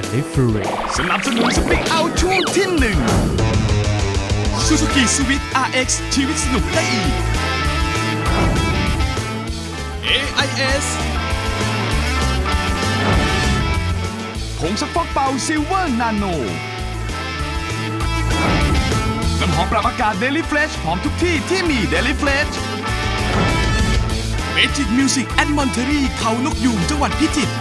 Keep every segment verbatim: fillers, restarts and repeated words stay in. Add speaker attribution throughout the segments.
Speaker 1: Delivery
Speaker 2: สนับสนุนสปีกเอาช่วงที่หนึ่ง Suzuki Swift อาร์ เอ็กซ์ ชีวิตสนุกได้อีก เอ ไอ เอส ผงซักฟอกเป่าซิลเวอร์นาโนน้ำหอมปรับอากาศ Daily Fresh หอมทุกที่ที่มี Daily Fresh Magic Music at Monterey เขานกยูงจังหวัดพิจิตร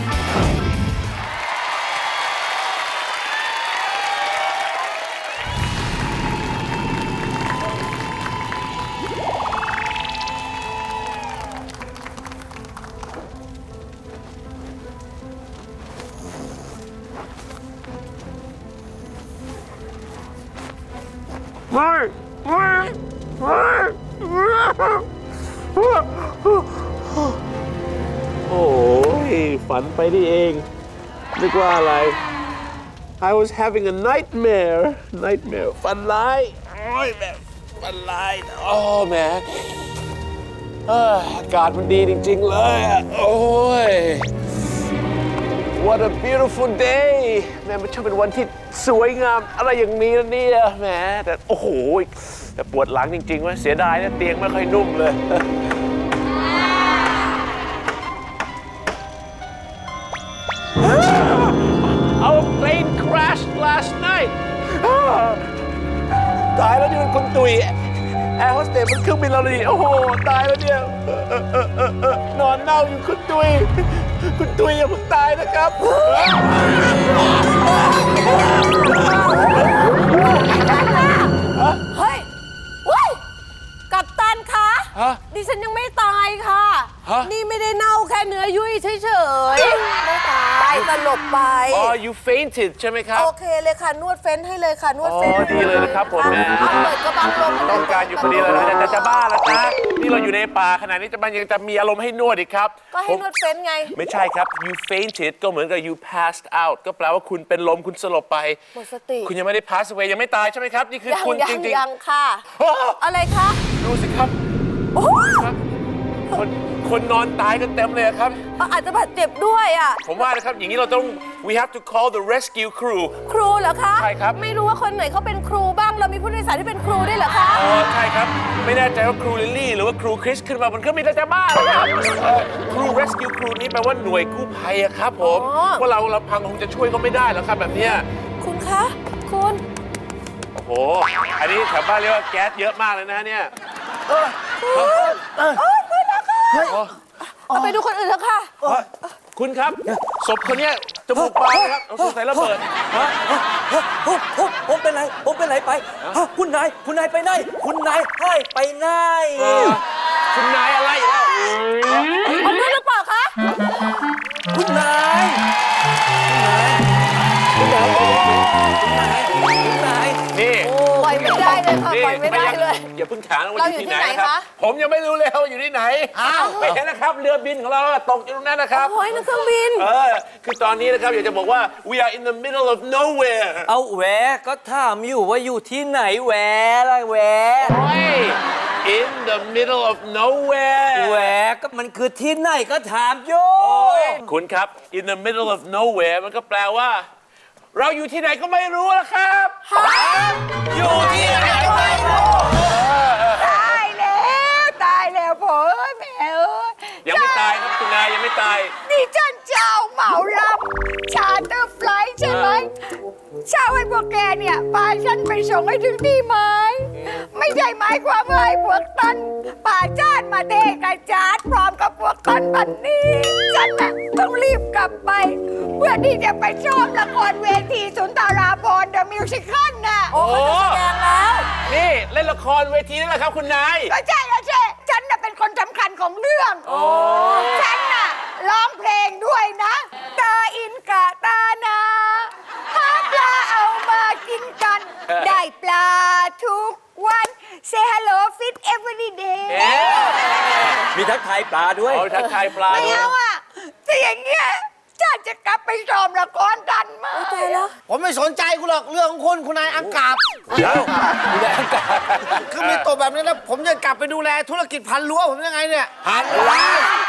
Speaker 3: โอ้ยฝันไปนี่เองนึกว่าอะไร I was having a nightmare nightmare ฝันร้ายโอ้ยแบบฝันร้ายโอ้แหมเอ้ออากาศมันดีจริงๆเลยอะโอ้ย What a beautiful day แม่มันช่างเป็นวันที่สวยงามอะไรอย่างนี้นะเนี่ยแหมแต่โอ้โหแต่ปวดหลังจริงๆว่าเสียดายนะเตียงไม่ค่อยนุ่มเลย Our plane crashed last night ตายแล้วนี่มันคุณตุยแอร์โฮสเตสมันเครื่องบินเราเลยโอ้โหตายแล้วเนี่ยนอนเน่าอยู่คุณตุยคุณตุยอย่าเพิ่งตายนะครับ
Speaker 4: เฮ้ยเว้ยกัปตันคะดิฉันยังไม่ตายค่ะนี่ไม่ได้เน่าแค่เนื้อยุ่ยเฉยๆไม่ตายสลบไป
Speaker 3: อ๋อ you fainted ใช่ไหมครับ
Speaker 4: โอเคเลยค่ะนวดเฟ้นให้เลยค่ะนวดเฟ้น
Speaker 3: อ๋อดีเลยนะครับผมแม่
Speaker 4: เปิดกระบังลม
Speaker 3: ต้องการอยู่พอดีเลยนะจะจะบ้าแล้วนะนี่เราอยู่ในป่าขนาดนี้จะมันยังจะมีอารมณ์ให้นวดอีกครับ
Speaker 4: ก็ให้นวดเฟ้นไง
Speaker 3: ไม่ใช่ครับ you fainted ก็เหมือนกับ you passed out ก็แปลว่าคุณเป็นลมคุณสลบไป
Speaker 4: หมดสติ
Speaker 3: คุณยังไม่ได้ pass away ยังไม่ตายใช่ไหมครับนี่คือคุณจริง
Speaker 4: ๆยังค่ะอะไรคะ
Speaker 3: ดูสิครับคนคนนอนตายกันเต็มเลยครับ
Speaker 4: อาจจะบาดเจ็บด้วยอ่ะ
Speaker 3: ผมว่านะครับอย่างนี้เราต้อง we have to call the rescue crew
Speaker 4: ครูเหรอคะ
Speaker 3: ใช่ครับ
Speaker 4: ไม่รู้ว่าคนไหนเขาเป็นครูบ้างเรามีผู้โดยสารที่เป็นครูด้วยเหรอคะ
Speaker 3: อ๋อใช่ครับไม่แน่ใจว่าครูลิลลี่หรือว่าครูคริสขึ้นมาบนเครื่องบินจะบ้าเลยครับครู rescue crew นี้แปลว่าหน่วยกู้ภัยครับผมว่าเราเราพังคงจะช่วยก็ไม่ได้แล้วครับแบบนี้
Speaker 4: คุณคะคุณ
Speaker 3: โอ้โหอันนี้แถวบ้านเรียกว่าแก๊สเยอะมากเลยนะเนี่ย
Speaker 4: เออเออเออเพื่อนละค่ะเอาไปดูคนอื่นเถอะค่ะ
Speaker 3: คุณครับศพคนนี้จมูกบานครับเอาสงสัยระเบิดฮะ
Speaker 5: ผมผมผมเป็นไรผมเป็นไรไปคุณนายคุณนายไปไหนคุณนายให้ไปไหน
Speaker 3: คุณนายอะไรแล้ว
Speaker 4: เอาเพื่อนหรือเปล่าคะ
Speaker 5: คุณนายคุณนายคุณนายคุณนาย
Speaker 3: นี่
Speaker 4: ปล่อยไม่ได้เลยค่ะปล่อยไม่ได้เลย
Speaker 3: อย่าเพิ่งถามว่าอยู่ที่ไหนครับผมยังไม่รู้เลยว่าอยู่ที่ไหนไปเห็นนะครับเรือบินของเราตกอยู่ตรงนั้นนะครับ
Speaker 4: โอ้ยนั่นเครื่องบิน
Speaker 3: เออคือตอนนี้นะครับอยากจะบอกว่า we are in the middle of nowhere
Speaker 5: เอาแหวก็ถามอยู่ว่าอยู่ที่ไหนแหวอะไรแหว
Speaker 3: in the middle of nowhere
Speaker 5: แหวก็มันคือที่ไหนก็ถามโย
Speaker 3: คุณครับ in the middle of nowhere มันก็แปลว่าเราอยู่ที่ไหนก็ไม่รู้แล้วครับอยู่ที่ไหนก็ไม่รู้
Speaker 4: ตายแล้วตายแล้วพ่อแม่เอ้ย
Speaker 3: ยังไม่ตายครับคุณนายยังไม่ตาย
Speaker 4: นี่ฉันเจ้าเหมาลำชาร์เตอร์ไฟล์ใช่ไหมเช่าให้พวกแกเนี่ยพาฉันไปส่งให้ถึงที่หมายไม่ใช่หมายความว่าให้พวกตันป่าจาดมาเทกระจาดพร้อมกับพวกตันบันนี้ฉันน่ะต้องรีบกลับไปเพื่อที่จะไปชมละครเวทีสุนทราภรณ์ The Musical น่ะ
Speaker 3: โอ้
Speaker 4: เขาจะแสดงแล้ว
Speaker 3: นี่เล่นละครเวทีนี่แหละครับคุณนาย
Speaker 4: ก็ใช่แล้วใช่ฉันน่ะเป็นคนสำคัญของเรื่องฉันน่ะร้องเพลงด้วยนะตาอินกะตานาหาปลาเอามากินกันได้ปลาทุกวัน Say hello fit every day
Speaker 5: มีทักทายปลาด้วย
Speaker 3: เอาทักทายปลา
Speaker 4: ไม่เอาอ่ะถ้าอย่างเงี้ยฉันจะกลับไปซ้อมละครดันมาใจแล้ว
Speaker 6: ผมไม่สนใจคุณหรอกเรื่องของคุณคุณนายอังกาบ
Speaker 3: คุณนายอังกาบ
Speaker 6: คือมีตัวแบบนี้แล้วผมจะกลับไปดูแลธุรกิจพันรั้วผมยังไงเนี่ย
Speaker 3: พันรั้ว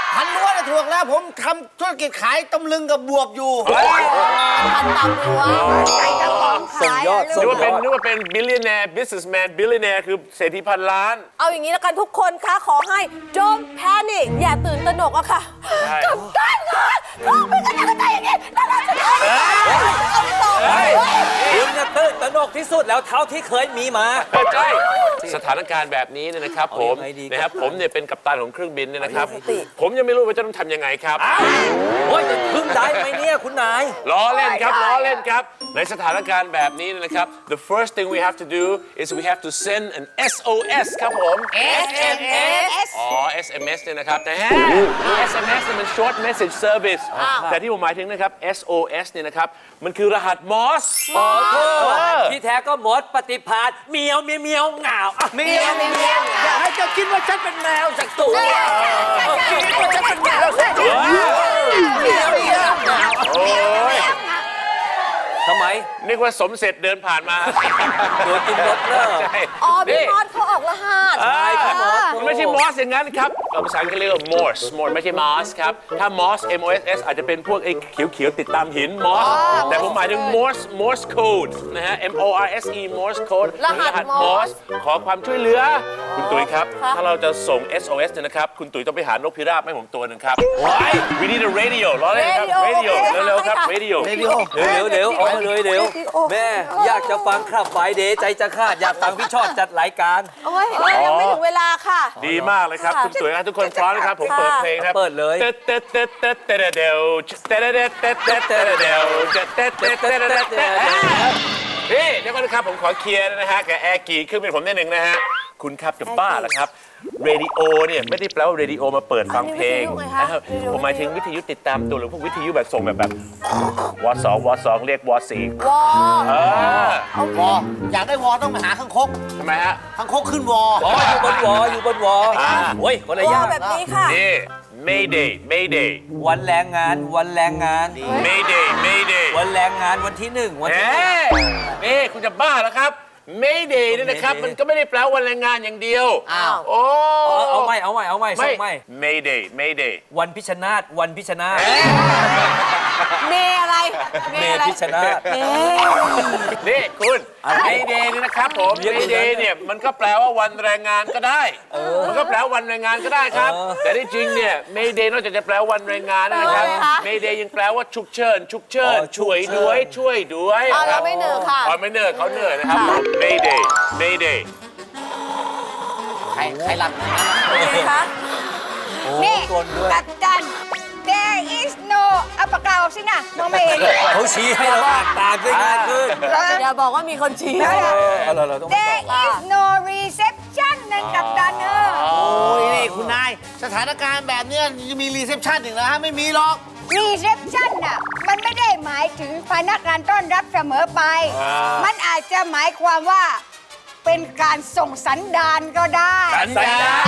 Speaker 6: พันล้วนถูกแล้วผมทำธุรกิจขายตำลึงกับบวบอยู่
Speaker 4: พันตำตัวใส่กระป๋อง
Speaker 5: ส่ง
Speaker 4: ขาย
Speaker 5: ยอด
Speaker 4: อะ
Speaker 5: ส่
Speaker 3: นึ
Speaker 5: ง
Speaker 3: กว่าเป็นนึกว่าเป็น billionaire businessman billionaire คือเศรษฐีพันล้าน
Speaker 1: เอาอย่างนี้แล้วกันทุกคนคะขอให้ don't panic อย่าตื่นตระหนกอะค่ะ
Speaker 4: กับการงานเขาเป็นกันยังไงอย่างนี้แล้วเราจะทำยังไงเอาไปต่อ
Speaker 5: เฮ้ยคุณเนี่ยตื่นตระหนกที่สุดแล้วเท่าที่เคยมีมา
Speaker 3: ใช่สถานการณ์แบบนี้เนี่ยนะครับผม
Speaker 5: เอายังไงดีครับ
Speaker 3: นะครับผมเนี่ยเป็นกัปตันของเครื่องบินเนี่ยนะครับ
Speaker 1: เอายังไงดี
Speaker 3: ผมยังไม่รู้ว่าจะต้องทำยังไงครับ
Speaker 5: โอ้ยจะพึ่งได้ไหมเนี่ยคุณนาย
Speaker 3: ล้อเล่นครับล้อเล่นครับ ในสถานการณ์แบบนี้เนยนะครับ the first thing we have to do is we have to send an เอส โอ เอส ครับผม
Speaker 4: เอส เอ็ม เอส
Speaker 3: อ๋อ เอส เอ็ม เอส เนี่ยนะครับแต่ฮะ เอส เอ็ม เอส เนี่ยมัน short message service แต่ที่ผมหมายถึงนะครับ เอส โอ เอส เนี่ยนะครับมันคือรหัส Morse
Speaker 5: ขอโทษที่แท้ก็หมดปฏิภาณเมียวเมียวเมียวเหงาอ่ะเมียวเมียวเมียวอย่าให้เจ้าคิดว่าฉันเป็นแมวสักตัวคิดว่าฉันเป็นแมวสักตัวเมียวเมียวเหงา
Speaker 3: โอ้ย
Speaker 5: ทำไม
Speaker 3: นึกว่าสมเสร็จเดินผ่านมา
Speaker 5: โดนกินรถเลย
Speaker 3: ใช่
Speaker 1: อ๋อพี่
Speaker 3: นี่
Speaker 1: มอสเขาออกรหัส
Speaker 3: ใช่พี่มอส
Speaker 1: อ่า
Speaker 3: ไม่ใช่มอสอย่างนั้นครับภาษาอังกฤษเรียกว่า Morse Morse ไม่ใช่มอสครับ ถ้ามอส M O S S อาจจะเป็นพวกไอ้เขียวๆ ติดตามหินมอส แต่ผมหมายถึง Morse Morse code นะฮะ M O R S E Morse code
Speaker 1: รหัส
Speaker 3: Morse ขอความช่วยเหลือ คุณตุ๋ยครับ ถ้าเราจะส่ง เอส โอ เอส เนี่ยนะครับ คุณตุ๋ยต้องไปหานกพิราบให้ผมตัวหนึ่งครับ Why we need a radio ล้อเล่นครับ radio เร็วๆครับ radio
Speaker 5: เร็วเร็วเร็วเอามาเลยเร็วแม่อยากจะฟังครับไฟเดย์ใจจะขาดอยากฟังพี่ชอดจัดรายการ
Speaker 1: โอ้ยเอ้ยยังไม่ถึงเวลาค่ะ
Speaker 3: ดีมากเลยครับ คุณตุ๋ยครับทุกคนพร้อมนะครับ ผมเปิดเพลงครับ
Speaker 5: เปิดเลย
Speaker 3: เตเตเตเตเตเดวเตเตเตเตเตเตเดวเตเตเตเตเตเตนี่เดี๋ยวก่อนนะครับผมขอเคลียร์นะฮะกับแอร์กีเครื่องบินผมนิดหนึ่งนะฮะคุณครับจะบ้าแล้วครับเรดิโอเนี่ยไม่ได้แปลว่าเรดิโอมาเปิดฟังเพลง
Speaker 1: อันนี้วิทยุไงคะ
Speaker 3: นะครับผมหมายถึงวิทยุติดตามตัวหรือพวกวิทยุแบบส่งแบบแบบวอสองวอสองเรียกวอสี่
Speaker 1: วอ
Speaker 3: เออ
Speaker 6: วออยากได้วอต้องไปหาข้างคก
Speaker 3: ทำไมฮะ
Speaker 6: ข้างคกขึ้นวอ
Speaker 5: อ๋ออยู่บนวออยู่บนวอ
Speaker 3: อ่า
Speaker 5: โอ้ยคนละ
Speaker 1: ว
Speaker 5: อ
Speaker 1: อย่าง แบบนี้ค่ะ
Speaker 3: นี่ Mayday Mayday
Speaker 5: วันแรงงานวันแรงงาน
Speaker 3: Mayday Mayday
Speaker 5: วันแรงงานวันที่หนึ่งวัน
Speaker 3: เอ๊
Speaker 5: ที่หนึ่ง
Speaker 3: ะนี่คุณจะบ้าแล้วครับ Mayday เนี่ยนะครับ
Speaker 5: Mayday
Speaker 3: มันก็ไม่ได้แปลว่าวันแรงงานอย่างเดียว
Speaker 6: อ้าว
Speaker 3: โอ้
Speaker 5: เอาเอาไม่เอาไม่เอาไม่ส่
Speaker 3: ไม่
Speaker 5: งไม่
Speaker 3: Mayday Mayday
Speaker 5: วันพิชนาตวันพิชนาต
Speaker 1: เมอะไร
Speaker 5: เม
Speaker 1: อะไร
Speaker 5: พิชนาต
Speaker 1: เม
Speaker 3: นี่คุณ
Speaker 5: อะไร
Speaker 3: Mayday เนี่ยนะครับผม
Speaker 5: เรียกอย่างนั้น
Speaker 3: Mayday เนี่ยมันก็แปลว่าวันแรงงานก็ได้ มันก็แปลว่าวันแรงงานก็ได้ครับ
Speaker 5: เออ
Speaker 3: แต่ที่จริงเนี่ย Mayday นอกจากจะแปลว่าวันแรงงานนะครับ Mayday ยังแปลว่าฉุกเฉินฉุกเฉินช่วยด้วยช่วยด้วย
Speaker 1: เอาเราไม่เหนื่อยค่ะ
Speaker 3: อ๋อไม่เหนื่อยเขาเหนื่อยนะครับ Mayday Mayday
Speaker 6: ใครใครหลับ
Speaker 1: เป็นไงคะ
Speaker 4: นี่
Speaker 5: กลนด้วย
Speaker 4: กัปตัน there is no เอาปากกาออกสินะมองไม่เห็น
Speaker 5: เขาชี้ให้เราอ่านตามได้ง่ายขึ้น
Speaker 1: อย่าบอกว่ามีคนชี้
Speaker 5: เออเอาเราเราต้อง
Speaker 4: there is no reception นั่นกัปตันเออ
Speaker 6: โอ้ยนี่คุณนาย สถานการณ์แบบเนี้ยจะมีรีเซพชันอีกแล้วฮะไม่มีหรอก
Speaker 4: reception น่ะมันไม่ได้หมายถึงพนักงานต้อนรับเสมอไป มันอาจจะหมายความว่าเป็นการส่งสัญญาณก็ได้
Speaker 3: สัญญาณ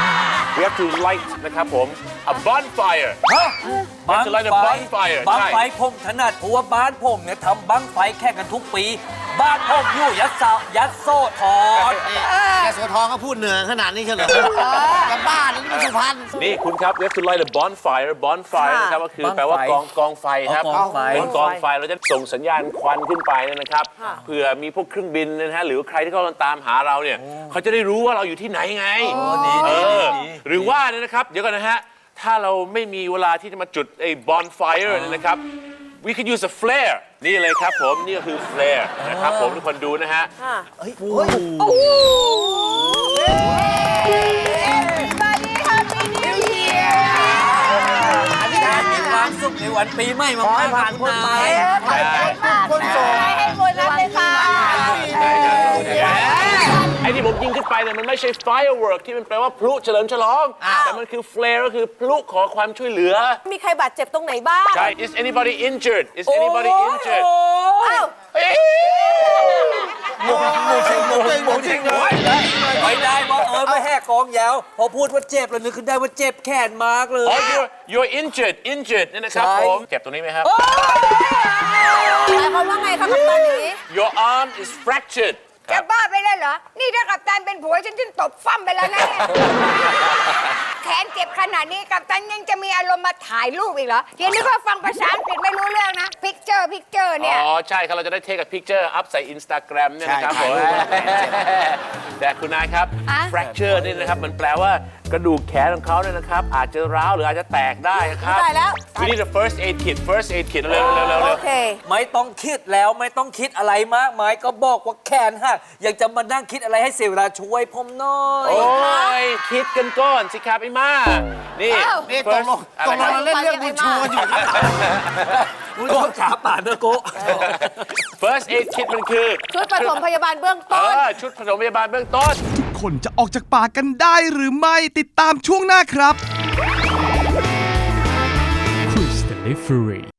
Speaker 3: We have to light นะครับผม a bonfire
Speaker 5: ฮะบัง
Speaker 3: จะไล่แต่ bonfire
Speaker 5: บัง
Speaker 3: ใช่
Speaker 5: ไฟผมถนัดเพราะว่าบ้านผมเนี่ยทำบังไฟแข่งกันทุกปี บ้านผมอยู่ยัดเสายัดโซ่ทอน
Speaker 6: นี่แกโสทองก็พูดเหนือขนาดนี้เฉลยจะบ้าหรือนี่มันสุพรรณ
Speaker 3: นี่คุณครับ we have to light a bonfire bonfire นะครับก็คือแปลว่ากองกองไฟครับ
Speaker 5: กองไฟ
Speaker 3: เป็นกองไฟเราจะส่งสัญญาณควันขึ้นไปเนี่ยนะครับเผื่อมีพวกเครื่องบินนะฮะหรือใครที่เขากำลังตามหาเราเนี่ยเขาจะได้รู้ว่าเราอยู่ที่ไหนไง
Speaker 5: ดี
Speaker 3: เอ
Speaker 5: ดี
Speaker 3: อ
Speaker 5: ดี
Speaker 3: หรือว่าเนี่ยนะครับ เดี๋ยวก่อนนะฮะ ถ้าเราไม่มีเวลาที่จะมาจุดไอ้ bonfire เนี่ยนะครับ we could use a flare นี่เลยครับผม นี่ก็คือ flare นะครับผมทุกคนดูนะฮะ
Speaker 4: Everybody happy new year
Speaker 5: อธิษฐานมีความสุขในวันปีใหม่มากๆครับคุณนาย
Speaker 4: ขอบใจมากคนส่งให้โบนัสเลยค่ะ
Speaker 3: ไอ้ที่ผมยิงขึ้นไปเนี่ยมันไม่ใช่ firework ที่มันแปลว่าพลุเฉลิมฉลอง แต่มันคือ flare ก็คือพลุขอความช่วยเหลือ
Speaker 1: มีใครบาดเจ็บตรงไหนบ้าง
Speaker 3: ใช่ is anybody injured is anybody injured
Speaker 1: อ้าว
Speaker 3: เอ้ย
Speaker 5: หมูจริงหมูจริงหมูจริงเลยไม่ได้ว่าเออไม่แหกกองยาวพอพูดว่าเจ็บแล้วนึกขึ้นได้ว่าเจ็บแขนมากเลย
Speaker 3: อ๋อ you're you're injured injured เนี่ยนะครับ
Speaker 5: ใช่
Speaker 3: ผมเจ็บตรงนี้ไหมครับ
Speaker 1: หมายความว่าไงคะกัปตันอย่างนี้
Speaker 3: your arm is fractured
Speaker 4: จะบ้าไปแล้วเหรอ นี่ถ้ากัปตันเป็นผัวฉันจะตบฟั่มไปแล้วนะเนี่ยแขนเจ็บขนาดนี้กัปตันยังจะมีอารมณ์มาถ่ายรูปอีกเหรอเดี๋ยวนึกว่าฟังภาษาอังกฤษไม่รู้เรื่องนะพิกเจอร์พิกเจอร์เนี่ย
Speaker 3: อ๋อ ใช่ครับ เราจะได้เทคกับพิกเจอร์อัพใส่ Instagram เนี่ยนะครับ
Speaker 6: ใช่
Speaker 3: ผม
Speaker 6: ถ่ายรูป
Speaker 3: แต่คุณนายครับ
Speaker 4: อะ
Speaker 3: fracture นี่นะครับ มันแปลว่ากระดูกแขนของเขาเนี่ยนะครับ อาจจะร้าวหรืออาจจะแตกได้ครับ
Speaker 1: ตายแล้ว
Speaker 3: We need a first aid kit first aid kit เร็วๆเร็วๆเร็วๆ
Speaker 1: โอ
Speaker 3: เร็ว
Speaker 1: เค
Speaker 5: ไม่ต้องคิดแล้วไม่ต้องคิดอะไรมากมายก็บอกว่าแขนหักยังจะมานั่งคิดอะไรให้เสียเวลาช่วยผมหน่อย
Speaker 3: โอ้ย คิดกันก่อนสิครับไอ้มานี่
Speaker 4: อ้าว
Speaker 6: นี่ตกลงตกลงเราเล่นเรื่องบุญชูกันอยู่นะ
Speaker 5: โก้ขาป่านนะโก้
Speaker 3: first aid kit มันคือ
Speaker 1: ชุดปฐมพยาบาลเบื้อง
Speaker 3: เอ
Speaker 1: ต้น
Speaker 3: อ ชุดปฐมพยาบาลเบื้องต้น
Speaker 2: ทุกคนจะออกจากป่ากันได้หรือไม่ติดตามช่วงหน้าครับ Chris Delivery